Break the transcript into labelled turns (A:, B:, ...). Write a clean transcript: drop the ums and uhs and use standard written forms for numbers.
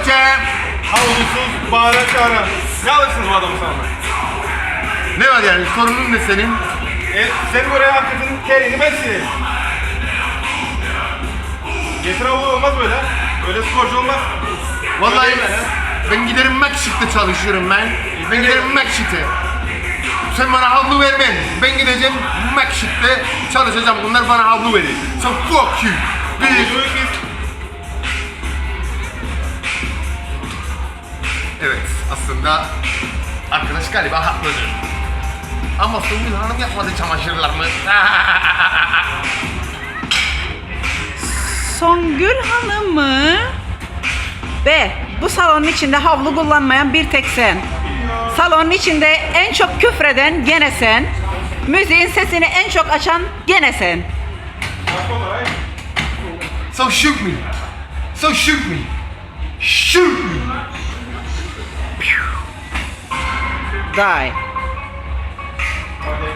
A: Türkçe.
B: Havlusuz bağıra çağıra. Ne alırsınız bu adamı sana?
A: Ne var yani? Sorunun ne senin?
B: Sen buraya hakikaten kerini ben sileyim. Getir havlu olmaz böyle. Öyle sporcu olmaz.
A: Vallahi
B: Öyle mi?
A: ben giderim Makşit'te çalışıyorum ben. Ben giderim Makşit'e. Sen bana havlu vermen. Ben gideceğim Makşit'te çalışacağım. Bunlar bana havlu verir. So fuck you.
B: Biz...
A: Evet, aslında arkadaş galiba haklıdır. Ama Songül Hanım yapmadı çamaşırlarımı.
C: Songül Hanım mı? B. Bu salonun içinde havlu kullanmayan bir tek sen. Salonun içinde en çok küfreden gene sen. Müziğin sesini en çok açan gene sen.
A: So shoot me. So shoot me. Shoot me.
C: Die.
B: Hadi.